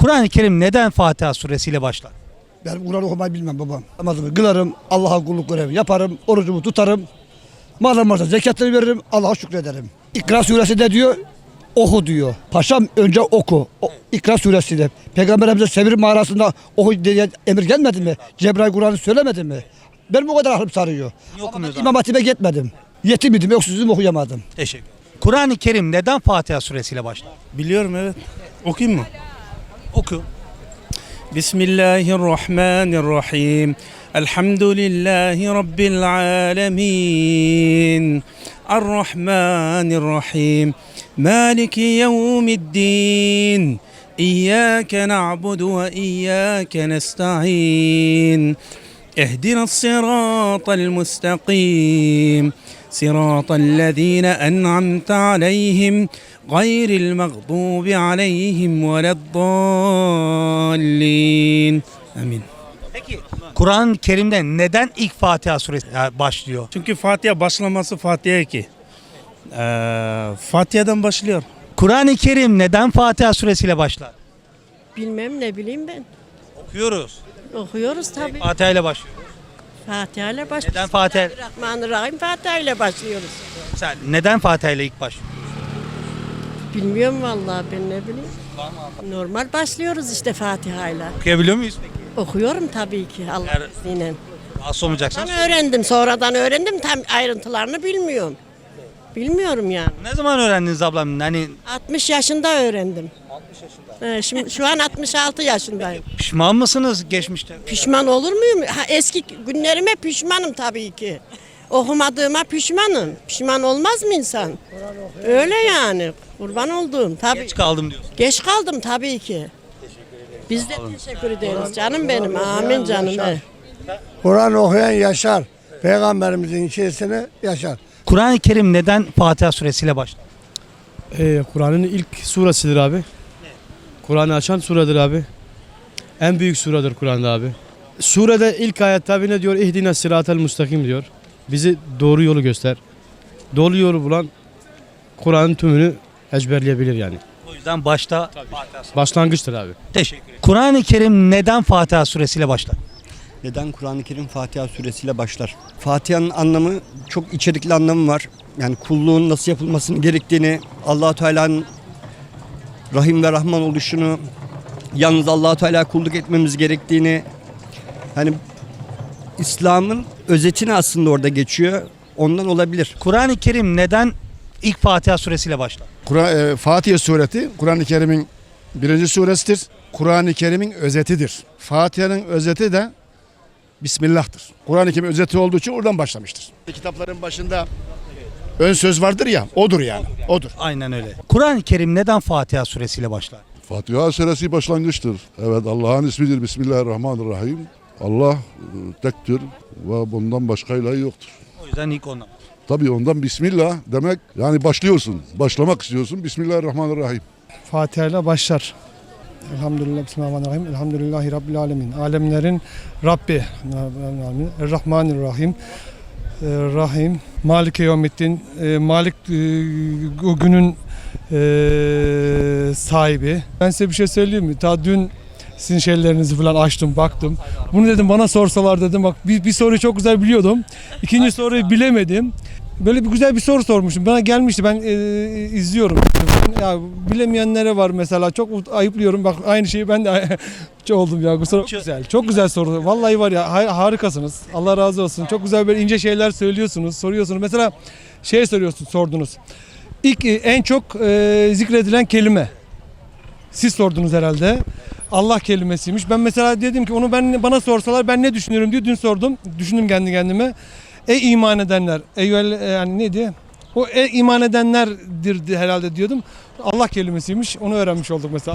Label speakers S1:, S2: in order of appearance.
S1: Kur'an-ı Kerim neden Fatiha suresiyle başlar?
S2: Ben Kur'an okumayı bilmem babam. Namazımı kılarım, Allah'a kulluk görevimi yaparım, orucumu tutarım. Malım varsa zekatları veririm, Allah'a şükrederim. İkra suresi de diyor, oku diyor. Paşam önce oku. İkra suresi de. Peygamberimize Sevir mağarasında oku diye emir gelmedi mi? Cebrail Kur'an'ı söylemedi mi? Benim o kadar aklım sarıyor.
S1: Niye okumuyoruz
S2: İmam Hatip'e gitmedim. Yetim idim, öksüzüm okuyamadım.
S1: Teşekkür ederim. Kur'an-ı Kerim neden Fatiha suresiyle başlar?
S3: Biliyorum, evet. Okuyayım mı?
S1: Oku.
S3: Bismillahirrahmanirrahim. Elhamdülillahi Rabbil alemin. Errahmanirrahim. Maliki yevmiddin. İyyâke na'budu ve iyyâke nesta'in. اهدنا الصراط المستقيم صراط الذين أنعمت عليهم غير المغضوب عليهم ولا الضالين. Amin.
S1: Peki Kur'an-ı Kerim'de neden ilk Fatiha suresi başlıyor?
S3: Çünkü Fatiha başlaması Fatiha ki. Fatiha'dan başlıyor.
S1: Kur'an-ı Kerim neden Fatiha suresiyle başlar?
S4: Bilmem, ne bileyim ben.
S1: Okuyoruz.
S4: Okuyoruz tabii.
S1: Fatiha ile başlıyor.
S4: Fatiha ile başlıyoruz.
S1: Neden Fatiha?
S4: Bismillahirrahmanirrahim. Fatiha ile başlıyoruz.
S1: Sen neden Fatiha ile ilk başlıyor?
S4: Bilmiyorum vallahi, ben ne bileyim. Normal başlıyoruz işte Fatiha ile.
S1: Okuyabiliyor muyuz peki?
S4: Okuyorum tabii ki
S1: Eğer-
S4: Allah'ın izniyle.
S1: Asıl olmayacaksan.
S4: Ben öğrendim, sonradan öğrendim, tam ayrıntılarını bilmiyorum. Bilmiyorum yani.
S1: Ne zaman öğrendiniz ablam? Hani
S4: 60 yaşında öğrendim. 60 yaşında. Şimdi şu an 66 yaşındayım.
S1: pişman mısınız geçmişte?
S4: Pişman olur muyum? Eski günlerime pişmanım tabii ki. Okumadığıma pişmanım. Pişman olmaz mı insan? Öyle yani. Kurban olduğum tabii.
S1: Geç kaldım diyorsun.
S4: Geç kaldım tabii ki. Biz de teşekkür ederiz canım benim. Amin canım.
S5: Kur'an okuyan yaşar. Peygamberimizin içerisine yaşar.
S1: Kur'an-ı Kerim neden Fatiha suresiyle başlar?
S6: Kur'an'ın ilk suresidir abi. Kur'an'ı açan suredir abi. En büyük suredir Kur'an'da abi. Surede ilk ayet tabi ne diyor? İhdina sıratel mustakim diyor. Bizi doğru yolu göster. Doğru yolu bulan Kur'an'ın tümünü ezberleyebilir yani.
S1: O yüzden başta Fatiha suresi.
S6: Başlangıçtır abi.
S1: Teşekkür ederim. Kur'an-ı Kerim neden Fatiha suresiyle başlar?
S7: Neden Kur'an-ı Kerim Fatiha suresiyle başlar? Fatiha'nın anlamı, çok içerikli anlamı var. Yani kulluğun nasıl yapılmasını gerektiğini, Allah-u Teala'nın Rahim ve Rahman oluşunu, yalnız Allah-u Teala kulluk etmemiz gerektiğini, hani İslam'ın özetini aslında orada geçiyor. Ondan olabilir.
S1: Kur'an-ı Kerim neden ilk Fatiha suresiyle başlar?
S8: Fatiha sureti Kur'an-ı Kerim'in birinci suresidir. Kur'an-ı Kerim'in özetidir. Fatiha'nın özeti de Bismillah'tır. Kur'an-ı Kerim'in özeti olduğu için oradan başlamıştır. Kitapların başında ön söz vardır ya, odur yani. Odur.
S1: Aynen öyle. Kur'an-ı Kerim neden Fatiha suresiyle başlar?
S9: Fatiha suresi başlangıçtır. Evet, Allah'ın ismidir. Bismillahirrahmanirrahim. Allah tektir ve bundan başka ilah yoktur.
S1: O yüzden ilk ondan.
S9: Tabii ondan Bismillah demek, yani başlıyorsun. Başlamak istiyorsun. Bismillahirrahmanirrahim.
S5: Fatiha ile başlar. Elhamdülillah, Bismillahirrahmanirrahim. Elhamdülillahi Rabbil alemin. Alemlerin Rabbi. Errahmanirrahim. Rahim. Malike yevmiddin. Malik o günün sahibi. Ben size bir şey söyleyeyim mi? Ta dün sizin şeylerinizi falan açtım, baktım. Bunu dedim bana sorsalar dedim. Bak bir soruyu çok güzel biliyordum. İkinci soruyu bilemedim. Böyle bir güzel bir soru sormuştum. Bana gelmişti. Ben izliyorum. Ya bilemeyenlere var mesela. Çok ayıplıyorum. Bak aynı şeyi ben de oldum ya. Çok güzel. Çok güzel soru. Vallahi var ya, harikasınız. Allah razı olsun. Çok güzel böyle ince şeyler söylüyorsunuz, soruyorsunuz. Mesela sordunuz. İlk en çok zikredilen kelime. Siz sordunuz herhalde. Allah kelimesiymiş. Ben mesela dedim ki onu bana sorsalar ben ne düşünüyorum diye dün sordum. Düşündüm kendi kendime. Ey iman edenler. Yani neydi? O iman edenlerdir herhalde diyordum. Allah kelimesiymiş. Onu öğrenmiş olduk mesela.